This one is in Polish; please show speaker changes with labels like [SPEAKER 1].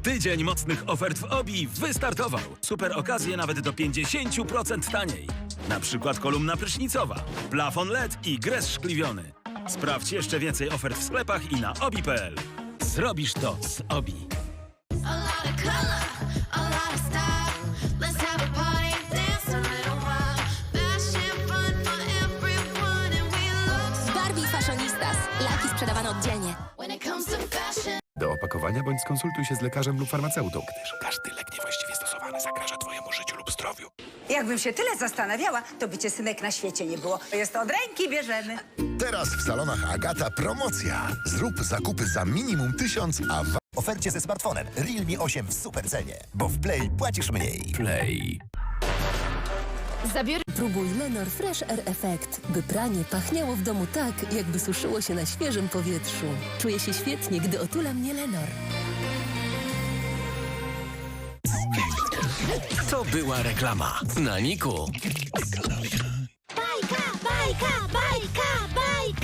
[SPEAKER 1] Tydzień mocnych ofert w Obi wystartował. Super okazje nawet do 50% taniej. Na przykład kolumna prysznicowa, plafon LED i gres szkliwiony. Sprawdź jeszcze więcej ofert w sklepach i na obi.pl. Zrobisz to z Obi.
[SPEAKER 2] A lot of color, a lot of style. Let's have a party and dance a little while. Fashion fun for everyone and we look so
[SPEAKER 3] Barbie Fashionistas. Laki sprzedawane oddzielnie.
[SPEAKER 2] when it comes to fashion.
[SPEAKER 4] Do opakowania bądź skonsultuj się z lekarzem lub farmaceutą, gdyż każdy lek niewłaściwie stosowany zagraża twojemu życiu lub zdrowiu.
[SPEAKER 5] Jakbym się tyle zastanawiała, to by cię, synek, na świecie nie było. Jest od ręki bierzemy.
[SPEAKER 6] Teraz w salonach Agata promocja. Zrób zakupy za minimum 1000, a w
[SPEAKER 7] Ofercie ze smartfonem Realme 8 w super cenie, bo w Play płacisz mniej.
[SPEAKER 4] Play.
[SPEAKER 8] Próbuj Lenor Fresh Air Effect, by pranie pachniało w domu tak, jakby suszyło się na świeżym powietrzu. Czuję się świetnie, gdy otula mnie Lenor.
[SPEAKER 1] To była reklama. Na Niku.